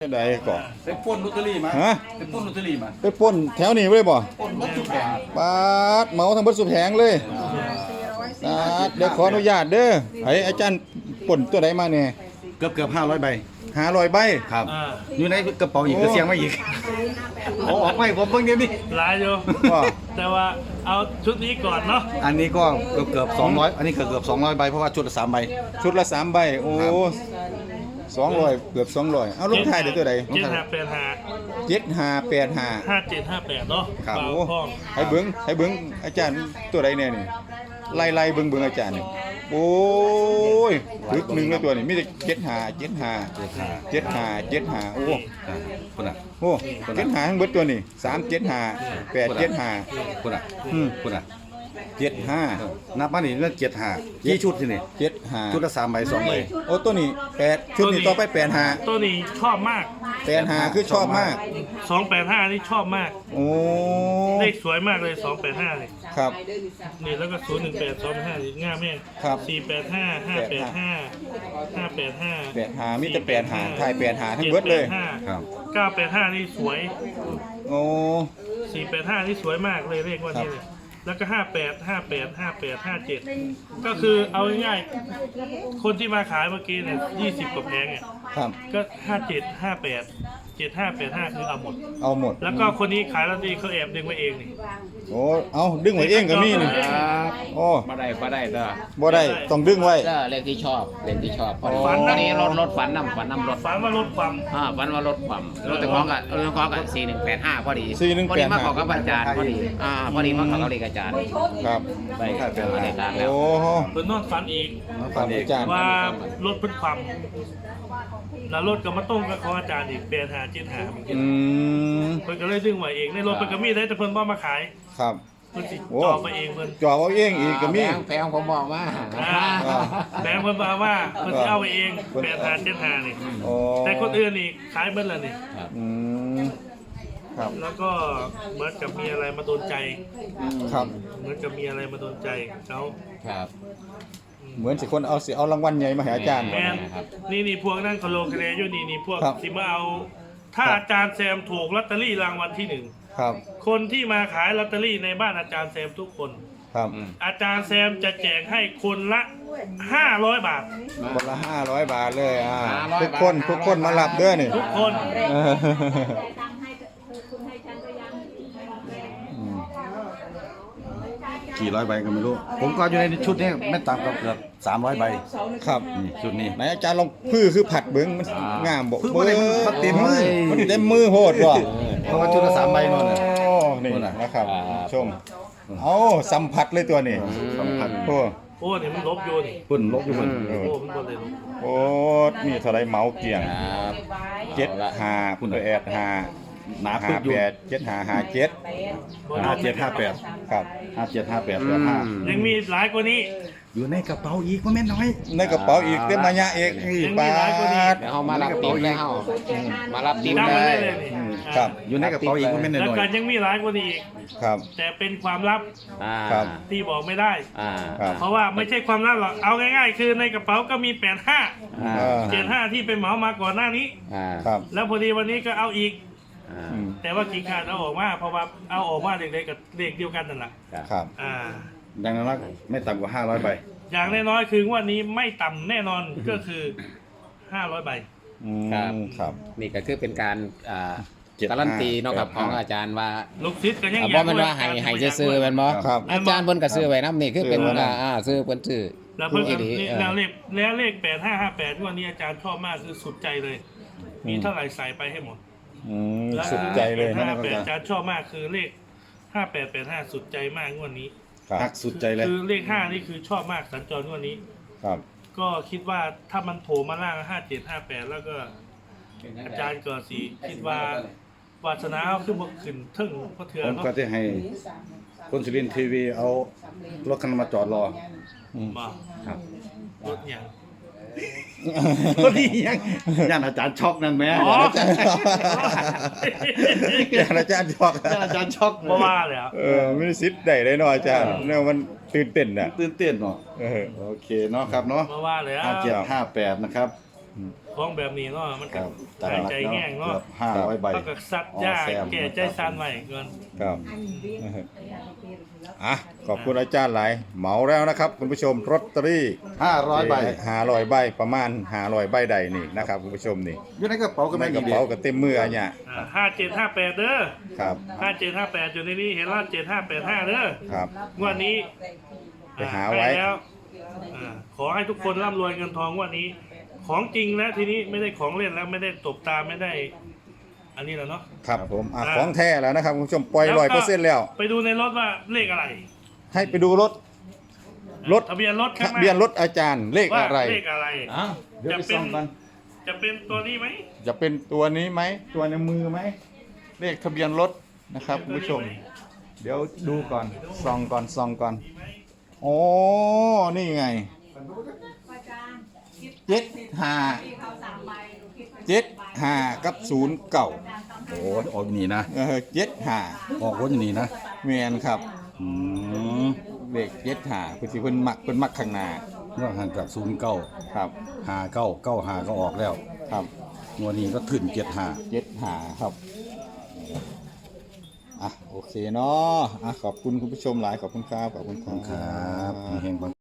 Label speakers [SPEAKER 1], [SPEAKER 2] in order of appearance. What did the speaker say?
[SPEAKER 1] ใดก่อน
[SPEAKER 2] ไปปล้นลอตเตอรี่มา
[SPEAKER 1] ฮะ
[SPEAKER 2] ไปปล้นลอตเตอรี่มา
[SPEAKER 1] ไปปล้นแถวนี้เลยบ่
[SPEAKER 2] ปล้นรถทุกแผง
[SPEAKER 1] ปาดเหมาทั้งเบิดสุดแผงเลยปาดเดี๋ยวขออนุญาตเด้อไอ้อาจารย์ปล้นตัวใดมาเนี่ย
[SPEAKER 2] เกือบ500 ใบ
[SPEAKER 1] 500 ใบ
[SPEAKER 2] ครับอยู่ในกระเป๋าอีกก็เสียงมาอีกเอาออกไปผมเพิ่งเดี๋ยวนี้
[SPEAKER 3] หลายอยู่แต่ว่าเอาชุดนี้ก่อนเนาะ
[SPEAKER 2] อันนี้ก็เกือบ200อันนี้เกือบ200 ใบเพราะว่าชุดละ3 ใบ
[SPEAKER 1] ชุดละ3 ใบโอ้200เกือบ200เอาลงท้ายเดี๋ยวตัวใด
[SPEAKER 3] 7585เนาะ
[SPEAKER 1] ครับโอ้ให้เบิ่งอาจารย์ตัวใดแน่นี่ไล่เบิ่งอาจารย์นี่โอ้ยถึก1เลยตัวนี้มีแต่75โอ้
[SPEAKER 2] คนน่ะ
[SPEAKER 1] โอ้75ทั้งเบิดตัวนี้375 875
[SPEAKER 2] คนน่ะคนน่ะ
[SPEAKER 1] 75
[SPEAKER 2] นับมานี่เรื่อง75กี่ชุดที่นี่
[SPEAKER 1] 75
[SPEAKER 2] ชุดละ3 ใบ 2 ใบ
[SPEAKER 1] โอ้ตัวนี้8ชุดนี้ต่อไป85
[SPEAKER 3] ตัวนี้ชอบมาก
[SPEAKER 1] 85คือชอบมาก
[SPEAKER 3] 285นี่ชอบมาก
[SPEAKER 1] โอ้
[SPEAKER 3] เลขสวยมากเลย285นี่
[SPEAKER 1] ครับ
[SPEAKER 3] นี่แล้วก็018 285นี่ง่ายแม่ง
[SPEAKER 1] ครับ
[SPEAKER 3] 485 585
[SPEAKER 1] 85มีแต่85ถ่าย85ทั้งเบิดเลย
[SPEAKER 2] ครับ
[SPEAKER 3] 985นี่สวย
[SPEAKER 1] โอ้
[SPEAKER 3] 485นี่สวยมากเลยเลขว่านี้เลยแล้วก็58 ก็คือเอาง่ายๆคนที่มาขายเมื่อกี้เนี่ย20 กว่าแผงเนี่ยก็57 58 75 85คือเอาหมดแล้วก็คนนี้ขายลอตเตอรี่เขาแอบดึงไว้เองนี่
[SPEAKER 1] โอ้เอาดึงไว้เองก็มีนี่โอ้
[SPEAKER 4] บ่ได้เด้อ
[SPEAKER 1] บ่ได้ต้องดึงไว้
[SPEAKER 4] เลขที่ชอบพอดีรถฝันนำรถ
[SPEAKER 3] ฝันว่ารถความ
[SPEAKER 4] ฝันว่ารถความรถแต่ของกับ4185พอดีมาขอกับอาจารย์พอดีมาขอกับเลขอาจารย์
[SPEAKER 1] ครับ
[SPEAKER 4] ไปเป็นอาจารย์แล้ว
[SPEAKER 1] โอ้
[SPEAKER 3] เพิ่นนอนฝันอีก
[SPEAKER 1] อาจารย์
[SPEAKER 3] ว่ารถเพิ่นความแล้วรถก็มาต้มกับของอาจารย์อีก85 75เหมือนกันเพิ่นก็เลยดึงไว้เองในรถเพิ่นก็มีได้แต่เพิ่นบ่มาขาย
[SPEAKER 1] ครับ
[SPEAKER 3] เพิ่นสิจ่อมาเองเพิ่น
[SPEAKER 1] จ่อเอาเองอีกก็มี
[SPEAKER 4] แพงผมบอกว่า
[SPEAKER 3] แบงค์เพิ่นบอกว่าเพิ่นสิเอาไว้เอง85 75นี่แต่คนอื่นนี่ขายเบิดแล้วนี่
[SPEAKER 1] ครับ
[SPEAKER 3] แล้วก็เหมือนกับมีอะไรมาโดนใจ
[SPEAKER 1] ครับ
[SPEAKER 3] เหมือนกับมีอะไรมาโดนใจเขา
[SPEAKER 4] ครับ
[SPEAKER 1] เหมือนสิคนเอารางวัลใหญ่มาให้อาจารย์
[SPEAKER 3] นี่พวกนั่งคอนโลคะแนนอยู่นี่พวกที่มาเอาถ้าอาจารย์แซมถูกลอตเตอรี่รางวัลที่1
[SPEAKER 1] ครับ
[SPEAKER 3] คนที่มาขายลอตเตอรี่ในบ้านอาจารย์แซมทุกคน
[SPEAKER 1] ครับ
[SPEAKER 3] อาจารย์แซมจะแจกให้คนละ500 บาท
[SPEAKER 1] คนละ500 บาทเลยทุกคนมารับเด้อนี่
[SPEAKER 3] ทุกคน
[SPEAKER 2] กี่ร้อยใบก็ไม่รู้ผมก็อยู่ในชุดนี้ไม่ต่ำกว่าเกือบ300 ใบ
[SPEAKER 1] ครับ
[SPEAKER 2] ชุดนี้
[SPEAKER 1] ไหนอาจารย์ลองคือผัดเบิ้งมันงามบ่
[SPEAKER 2] เบิ้งมันเต็มมือ
[SPEAKER 1] โหดว่ะ
[SPEAKER 2] เพราะว่าชุดละ3 ใบนั่นน่ะ
[SPEAKER 1] นี่นะครับชมสัมผัสเลยตัวนี้
[SPEAKER 2] สัมผัส
[SPEAKER 3] โอ้นี่มันลบอยู่นี่
[SPEAKER 2] ปุ่นลบอยู่มัน
[SPEAKER 3] มันบ่ได้ลบ
[SPEAKER 1] โอ้มีเท่าไรเมาเกี่ยง75คุณแอด5
[SPEAKER 2] หนาปึ๊กอยู่
[SPEAKER 1] 57ครับ
[SPEAKER 2] 5758
[SPEAKER 3] ยังมีหลายกว่านี้
[SPEAKER 2] อยู่ในกระเป๋าอีกว่าแม่น้อย
[SPEAKER 1] ในกระเป๋าอีกเต็มมายะเอก
[SPEAKER 3] ปาด
[SPEAKER 4] เฮามารับติ๊บแล้วมารับติ๊บ
[SPEAKER 3] เลย
[SPEAKER 1] ครับ
[SPEAKER 2] อยู่ในกระเป๋าอีกว่าแม่น้อย
[SPEAKER 3] แล้วก็ยังมีหลายกว่านี้อีก
[SPEAKER 1] ครับ
[SPEAKER 3] แต่เป็นความลับที่บอกไม่ได้เพราะว่าไม่ใช่ความลับหรอกเอาง่ายๆคือในกระเป๋าก็มี75ที่ไปเหมามาก่อนหน้านี้แล้วพอดีวันนี้ก็เอาอีกแต่ว่ากิ่งขาดเอาออกมาเพราะว่าเอาออกมาเด็กๆกับเด็กเดียวกันนั่นแหละ
[SPEAKER 1] ครับ
[SPEAKER 2] ดังนั้นไม่ต่ำกว่า500 ใบ
[SPEAKER 3] อย่างน้อยๆคือวันนี้ไม่ต่ำแน่นอนก็คือ500 ใบ
[SPEAKER 1] ครับ
[SPEAKER 4] นี่ก็คือเป็นการการันตีเนาะครับของอาจารย์ว่า
[SPEAKER 3] ลูกศิษย์ก็ยัง
[SPEAKER 4] อยากว่าให้ซื้อแม่นบ่อาจารย์เพิ่นก็ซื้อไว้นำนี่คือเป็นซื้อเพิ่นซื้อ
[SPEAKER 3] แล้วเพิ่นแล้วเลข8558วันนี้อาจารย์ชอบมากคือสุดใจเลยมีเท่าไหร่ใส่ไปให้หมด
[SPEAKER 1] สุดใจเลยนะ
[SPEAKER 3] อาจารย์ชอบมากคือเลข5885สุดใจมากงวดนี้
[SPEAKER 2] หักสุดใจเลย
[SPEAKER 3] คือเลข5นี่คือชอบมากสัญจรงวดนี้
[SPEAKER 1] ครับ
[SPEAKER 3] ก็คิดว่าถ้ามันโผล่มาล่าง5758แล้วก็อาจารย์ก็สิคิดว่าวาสนาเอาขึ้นถึงพระเถื่อน
[SPEAKER 2] ผมก็จะให้คนสุรินทร์ทีวีเอารถคันมาจอดรอ
[SPEAKER 3] ครับรถอย่าง
[SPEAKER 2] ก็ดียังอาจารย์ช็อกนั่นแม่
[SPEAKER 1] อาจารย์ช็อก
[SPEAKER 3] เพราะว่าเลย
[SPEAKER 1] ไม่ได้ซิดได้เลยเนาะอาจารย์เนี่ยมันตื่นเต้นน่ะ
[SPEAKER 2] ตื่นเต้นเนาะโอเคเนาะครับเนาะ
[SPEAKER 3] เพราะว่าเลย
[SPEAKER 2] 5758นะครับ
[SPEAKER 3] ของแบบนี้เนาะมัน
[SPEAKER 1] ค
[SPEAKER 3] ก็
[SPEAKER 1] รับ
[SPEAKER 3] หายใจแห้งเนาะ
[SPEAKER 1] 500ใบ
[SPEAKER 3] แล้วก็ซัดยาแก่ใจซันไว้ก่อน
[SPEAKER 1] ครับอ่ะขอบคุณอาจารย์หลายเหมาแล้วนะครับคุณผู้ชมลอตเตอรี่
[SPEAKER 2] 500 ใบ
[SPEAKER 1] 500ใบประมาณ500ใบใดนี่นะครับคุณผู้ชมนี่
[SPEAKER 2] อยู่ในกระเป๋าก็
[SPEAKER 1] ใน
[SPEAKER 2] ไม่
[SPEAKER 1] ก
[SPEAKER 2] มี
[SPEAKER 1] ระ
[SPEAKER 2] เด็
[SPEAKER 1] เป๋าก็เต็มมืออันเนี้ย
[SPEAKER 3] 5758เด้อ
[SPEAKER 1] ครับ
[SPEAKER 3] 5758อยู่ในนี้เห็นว่า7585เด้อ
[SPEAKER 1] ครับ
[SPEAKER 3] งวดนี้
[SPEAKER 1] ไปหาไว้
[SPEAKER 3] ให้แล้วขอให้ทุกคนร่ำรวยเงินทองงวันนี้ ของจริงแล้วทีนี้ไม่ได้ของเล่นแล้วไม่ได้ตบตาไม่ได้ อันนี้แล้วเนาะ
[SPEAKER 1] ครับผมอ่ะ
[SPEAKER 3] อ่า
[SPEAKER 1] ของแท้แล้วนะครับคุณผู้ชมปล่อย100%แล้ว
[SPEAKER 3] ไปดูในรถว่าเลขอะไร
[SPEAKER 1] ให้ไปดูรถ
[SPEAKER 3] ทะเบียนรถข้างห
[SPEAKER 1] ทะ
[SPEAKER 3] น้า
[SPEAKER 1] เบียนรถอาจารย์เลข
[SPEAKER 3] ว่า
[SPEAKER 1] อะไร
[SPEAKER 3] เลขอะไร
[SPEAKER 2] อ้าวเดี๋ยวไปส่องกัน
[SPEAKER 3] จะเป็นตัวนี้ไหม
[SPEAKER 1] จะเป็นตัวนี้ไหมตัวในมือไหมเลขทะเบียนรถนะครับคุณผู้ชม เดี๋ยวดูก่อนส่องก่อนโอ้นี่ไง75กับ09
[SPEAKER 2] โอ้ยออกนี่นะ
[SPEAKER 1] 75
[SPEAKER 2] ออกคนอย่างนี้นะ
[SPEAKER 1] แมนครับ
[SPEAKER 2] อืม
[SPEAKER 1] เลข75คือสิเพิ่นมักข้างหน้า
[SPEAKER 2] เรื่องห่างจาก09
[SPEAKER 1] ครับ
[SPEAKER 2] 59 95ก็ออกแล้ว
[SPEAKER 1] ครับ
[SPEAKER 2] งวดนี้ก็ขึ้น75
[SPEAKER 1] 75ครับอ่ะโอเคเนาะอ่ะขอบคุณคุณผู้ชมหลายขอบคุณครับขอบคุณค
[SPEAKER 2] ค
[SPEAKER 1] รั
[SPEAKER 2] รับ
[SPEAKER 1] บ
[SPEAKER 2] เฮงๆ